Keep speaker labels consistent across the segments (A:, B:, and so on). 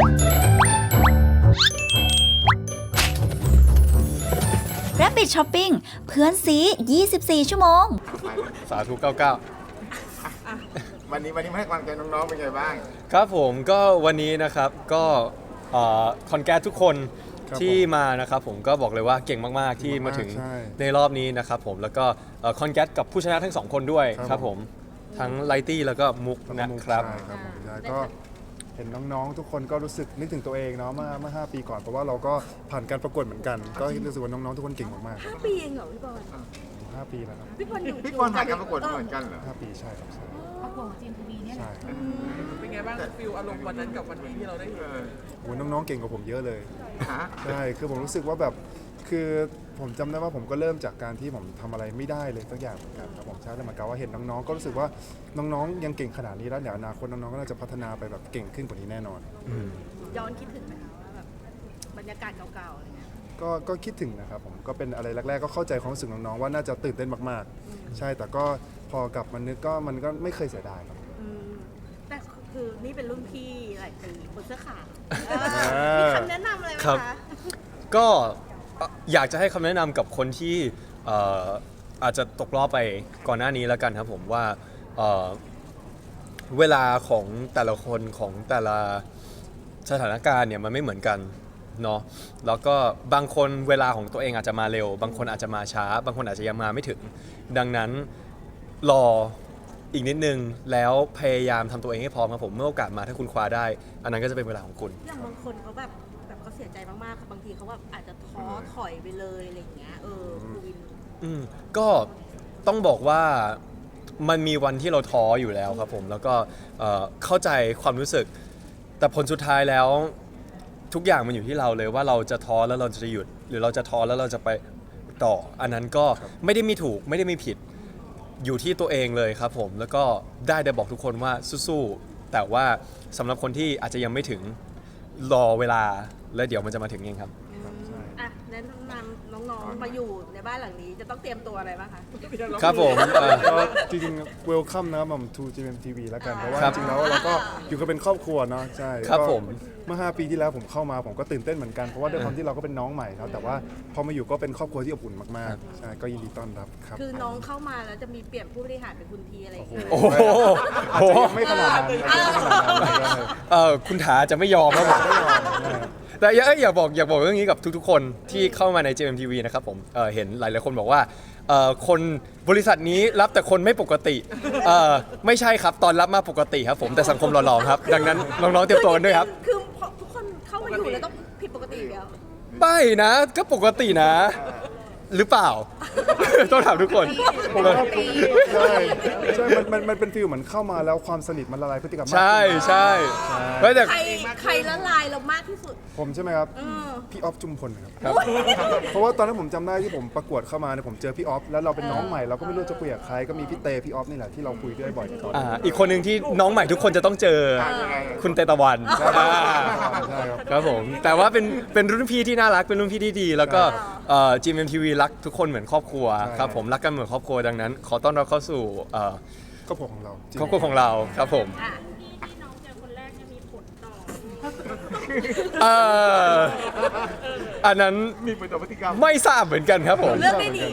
A: Rabbit Shopping เพื่อนซี 24 ชั่วโมง
B: สาธุ 99
C: วันนี้มาให้กำลังใจน้องๆเป็นไงบ้าง
B: ครับผมก็วันนี้นะครับก็คอนแกรสทุกคนที่มานะครับผมก็บอกเลยว่าเก่งมากๆที่มาถึงในรอบนี้นะครับผมแล้วก็คอนแกรสกับผู้ชนะทั้ง2คนด้วยครับผมทั้งไลตี้แล้วก็มุกนะครับ
D: ใช่ครับผมใช่ก็เห็นน้องๆทุกคนก็รู้สึกนึกถึงตัวเองเนาะเมื่อ5 ปีก่อนเพราะว่าเราก็ผ่านการประกวดเหมือนกันก็รู้สึกว่าน้องๆทุกคนเก่งมากๆ
E: 5 ปีเองเหรอพี่บอล
D: 5 ปีแล้วครับ
E: พี่บอลอยู่
C: พี่บอลผ่านการประกวดเหมือนกันเหรอ
D: 5 ปีใช่ครับใช่
E: ประกวดจีนทีวีเนี่ย
D: ใช่
F: เป็นไงบ้างฟิลอารมณ์วันนั้นกับวันนี้ที่เราได้เห็น
D: โอ้น้องๆเก่งกว่าผมเยอะเลยใช่คือผมรู้สึกว่าแบบคือผมจำได้ว่าผมก็เริ่มจากการที่ผมทำอะไรไม่ได้เลยสักอย่างเหมือนกันครับผมใช่แล้วเหมือนกับว่าเห็นน้องๆก็รู้สึกว่าน้องๆยังเก่งขนาดนี้แล้วเดี๋ยวอนาคตน้องๆก็น่าจะพัฒนาไปแบบเก่งขึ้นกว่านี้แน่นอน
E: ย้อนคิดถึงไหมคะว่าแบบบรรยากาศเก่าๆอะไรเงี้ย
D: ก็คิดถึงนะครับผมก็เป็นอะไรแรกๆก็เข้าใจความรู้สึกน้องๆว่าน่าจะตื่นเต้นมากๆใช่แต่ก็พอกลับมานึกก็มันก็ไม่เคยเสียดายครับ
E: แต่คือนี่เป็นรุ่นพี่หลายปีคนเสื้อขาวมีคำแนะนำอะไรไหมคะ
B: ก็อยากจะให้คำแนะนำกับคนที่อาจจะตกรอบไปก่อนหน้านี้แล้วกันครับผมว่าเวลาของแต่ละคนของแต่ละสถานการณ์เนี่ยมันไม่เหมือนกันเนาะแล้วก็บางคนเวลาของตัวเองอาจจะมาเร็วบางคนอาจจะมาช้าบางคนอาจจะยังมาไม่ถึงดังนั้นรออีกนิดนึงแล้วพยายามทำตัวเองให้พร้อมครับผมเมื่อโอกาสมาถ้าคุณคว้าได้อันนั้นก็จะเป็นเวลาของคุณ
E: อย่างบางคนเขาแบบเขาเสียใจมากๆบางทีเขาแบบอาจจะท้อถอยไปเลยอะไรอย่างเงี้ยครูวิน
B: ก็ต้องบอกว่ามันมีวันที่เราท้ออยู่แล้วครับผมแล้วก็เข้าใจความรู้สึกแต่ผลสุดท้ายแล้วทุกอย่างมันอยู่ที่เราเลยว่าเราจะท้อแล้วเราจะหยุดหรือเราจะท้อแล้วเราจะไปต่ออันนั้นก็ไม่ได้มีถูกไม่ได้มีผิดอยู่ที่ตัวเองเลยครับผมแล้วก็ได้บอกทุกคนว่าสู้ๆแต่ว่าสำหรับคนที่อาจจะยังไม่ถึงรอเวลาแล้วเดี๋ยวมันจะมาถึงเองครับ
E: แนะนำน้องๆมาอยู่ในบ้านหลังนี้จะต้องเตรียมตัวอะไรบ้างคะ
B: ครับผม
D: ก็จริงๆ welcome นะครับผม to GMMTV แล้วกันเพราะว่าจริงๆแล้วเราก็อยู่กันเป็นครอบครัวเนาะใช่
B: ครับผม
D: เมื่อ5 ปีที่แล้วผมเข้ามาผมก็ตื่นเต้นเหมือนกันเพราะว่าด้วยความที่เราก็เป็นน้องใหม่ครับแต่ว่าพอมาอยู่ก็เป็นครอบครัวที่อบอุ่นมากๆใช่ก็ยินดีต้อนรับครับ
E: คือน้องเข้ามาแล้วจะมีเปลี่ยนผู้บริหารเป็นคุณทีอะไรอย่างเงี้ย
B: โอ้โห
D: อาจจะยังไม่ขนาดนั้น
B: คุณถาจะไม่ยอมครับผมแต่อยากบอกเรื่องนี้กับทุกๆคนที่เข้ามาใน JMTV นะครับผมเห็นหลายๆคนบอกว่าคนบริษัทนี้รับแต่คนไม่ปกติไม่ใช่ครับตอนรับมาปกติครับผมแต่สังคมหล่อๆครับดังนั้นน้องๆเตรียมตัวกันด้วยครับ
E: คือทุกคนเข้ามาอยู่แล้วต้องผิดปกติแล้ว
B: ไม่นะก็ปกตินะหรือเปล่าต้องถามทุกคน
D: ใช่มันเป็นฟีลเหมือนเข้ามาแล้วความสนิทมันละลายพฤติกรรม
B: ใช่
D: แต่
E: ใครละลายเรามากที่สุด
D: ผมใช่ไหมครับพี่ออฟจุมพลครับเพราะว่าตอนนั้นผมจำได้ที่ผมประกวดเข้ามาเนี่ยผมเจอพี่ออฟแล้วเราเป็นน้องใหม่เราก็ไม่รู้จะคุยกับใครก็มีพี่เตพี่ออฟนี่แหละที่เราคุยด้วยบ่อยตอน
B: อีกคนหนึ่งที่น้องใหม่ทุกคนจะต้องเจอคุณเตตะวันครับผมแต่ว่าเป็นรุ่นพี่ที่น่ารักเป็นรุ่นพี่ที่ดีแล้วก็GMMTV รักทุกคนเหมือนครอบครัวครับผมรักกันเหมือนครอบครัวดังนั้นขอต้อนรับเข้าสู่
D: ครอบครัวของเรา
B: ครอบครัวของเราครับผม
E: ที่น้องเจอคนแรกจะมีผลต่
B: ออันนั้น
C: มีผลต่อพฤติกรรม
B: ไม่ทราบเหมือนกันครับผม
E: เรื่องไม่ดี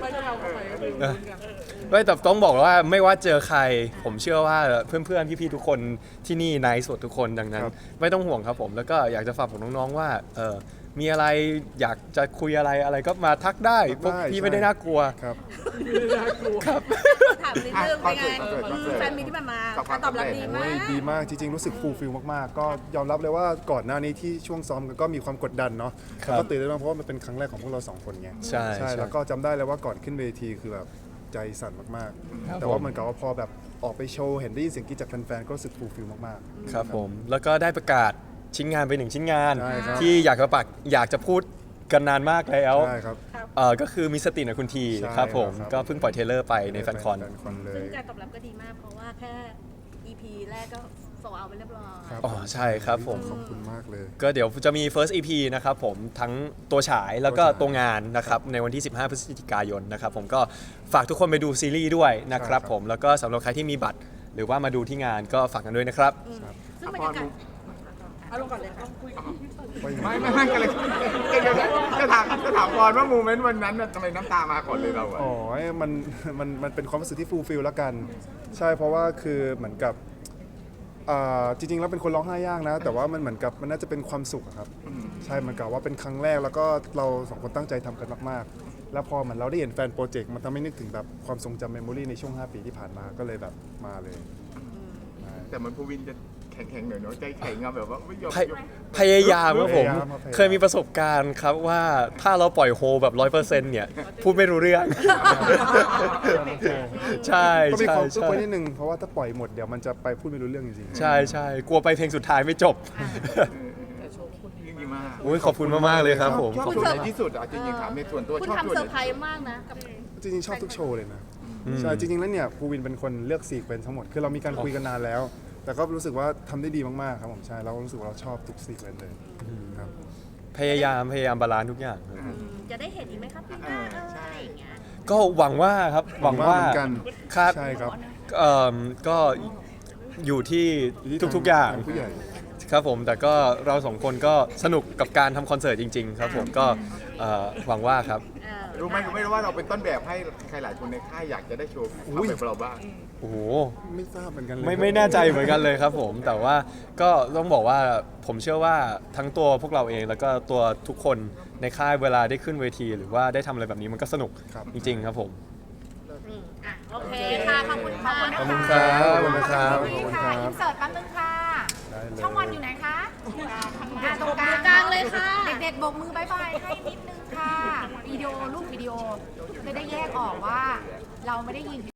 B: ไม่แต่ต้องบอกว่าไม่ว่าเจอใครผมเชื่อว่าเพื่อนๆพี่ๆทุกคนที่นี่นายสดทุกคนดังนั้นไม่ต้องห่วงครับผมแล้วก็อยากจะฝากบอกน้องๆว่ามีอะไรอยากจะคุยอะไรก็มาทักได้พวกพี่ไม่ได้น่ากลัว
D: ครับ
B: ครับ
E: ถามนิดนึงเป็นไงแฟนมีที่มาการตอบรับ
D: ดีมากจริงๆรู้สึกฟูลฟิลมากๆก็ยอมรับเลยว่าก่อนหน้านี้ที่ช่วงซ้อมก็มีความกดดันเนาะก็ตื่นเต้นมากเพราะว่ามันเป็นครั้งแรกของพวกเรา2 คนไง
B: ใช่
D: แล้วก็จำได้เลยว่าก่อนขึ้นเวทีคือแบบใจสั่นมากๆแต่ว่ามันกับว่าพอแบบออกไปโชว์เห็นได้ยินเสียงกรี๊ดจากแฟนๆก็รู้สึกฟูลฟิลมาก
B: ๆครับผมแล้วก็ได้ประกาศชิ้นงานไป1 ชิ้นงานที่อยากจะพูดกันนานมากแล้วก็คือมีสตินะคุณทีครับผมก็เพิ่งปล่อยเทเลอร์ไปในแฟนคอน
E: ซึ่งการตอบรับก็ดีมากเพราะว่าแค่ EP แรกก็โซเอาไปเรียบร้อย
B: ใช่ครับผม
D: ขอบคุณมากเลย
B: ก็เดี๋ยวจะมี first EP นะครับผมทั้งตัวฉายแล้วก็ตัวงานนะครับในวันที่15 พฤศจิกายนนะครับผมก็ฝากทุกคนไปดูซีรีส์ด้วยนะครับผมแล้วก็สำหรับใครที่มีบัตรหรือว่ามาดูที่งานก็ฝากกันด้วยนะครับ
E: ซึ่งบรรยากาศ
F: เอาลงก่อนเลยค่ะคุยกับพี่เฟิร์น
C: ไม่กันเลยจะถามก่อนว่าโมเมนต์วันนั้นน่ะทำไมน้ำตามาก่อนเลยเราอะ
D: อ๋อมันเป็นความรู้สึกที่ฟูลฟิลแล้วกัน ใช่เพราะว่าคือเหมือนกับจริงๆแล้วเป็นคนร้องไห้ยากนะ แต่ว่ามันเหมือนกับมันน่าจะเป็นความสุขอะครับ ใช่เหมือนกับว่าเป็นครั้งแรกแล้วก็เราสองคนตั้งใจทำกันมากๆ แล้วพอเหมือนเราได้เห็นแฟนโปรเจกต์มันทำให้นึกถึงแบบความทรงจำเมมโมรีในช่วง 5 ปีที่ผ่านมาก็เลยแบบมาเลย
C: แต่เหมันภูวินจะแข็งๆหน่อยเนาะใจแข็งอะแบบว่าไม่ยอม
B: พยายามครับผม
D: พยายามครับ
B: เคยมีประสบการณ์ครับว่าถ้าเราปล่อยโฮแบบ 100% เนี่ย พูดไม่รู้เรื่อง ใช่
D: ก็มี
B: ใช่
D: ความซุก
B: ใช่
D: ไว้นิดนึงเพราะว่าถ้าปล่อยหมดเดี๋ยวมันจะไปพูดไม่รู้เรื่องจริงๆ
B: ใช่ใช่กลัวไปเพลงสุดท้ายไม่จบ
C: ดีมาก
B: โอ้ยขอบคุณมากๆเลยครับผม
C: ชอบ
B: ขอบ
C: โช
B: คุณ
C: ว์ไหนที่สุดอะจริงๆถามในส่วนตัว
E: คุณ
C: ชอบ
E: ทำ
C: โชว์
E: เซ
C: ไห
E: อน ร์ไพรส์มากนะกับ
D: จริงๆชอบทุกโชว์เลยนะใช่จริงๆแล้วเนี่ยภูวินเป็นคนเลือกซีเควนซ์ทั้งหมดคือเรามีการคุยกันนานแล้ว แต่ก็รู้สึกว่าทำได้ดีมากๆครับผมใช่เรารู้สึกว่าเราชอบทุกซีเควนซ์เลยครับ
B: พยายามบาลานซ์ทุกอย่างครับ
E: จะได้เห็นอีกไหมครับพี่หน้าอะไรอย่างเงี้ย
B: ก็หวังว่าครับหวังว่า
D: เหมือนกัน
B: ครับ
D: ใช่ครับ
B: ก็อยู่ที่ทุกๆอย่าง
D: ผู้ใหญ่
B: ครับผมแต่ก็เราสองคนก็สนุกกับการทำคอนเสิร์ตจริง ๆ ครับผมก็หวังว่าครับ
C: รู้ไหมว่าเราเป็นต้นแบบให้ใครหลายคนในค่ายอยากจะได้โชว์
D: อุ้ย
C: แบบเราบ้าง
B: โอ้โห
D: ไม่ทราบเหมือนกันเลย
B: ไม่แน่ใจเหมือนกันเลยครับผมแต่ว่าก็ต้องบอกว่าผมเชื่อว่าทั้งตัวพวกเราเองแล้วก็ตัวทุกคนในค่ายเวลาได้ขึ้นเวที หรือว่าได้ทำอะไรแบบนี้มันก็สนุก
D: ครับ
B: จริง ๆ ครับผม
E: โอเคค่ะ ขอบคุณค่ะ
B: ขอบคุณครับขอบคุณครับ
D: ขอบคุณครับ
G: อินเสิร์ตแป๊บนึงค่ะ
D: ได้เลย
G: ช่องวันอยู่ไหนคะตรงกลาง
E: กลางเลยค่ะ
G: เด็กๆโบกมือบายบายให้นิดนึงค่ะ วิดีโอรูปวิดีโอจะได้แยกออกว่าเราไม่ได้ยิน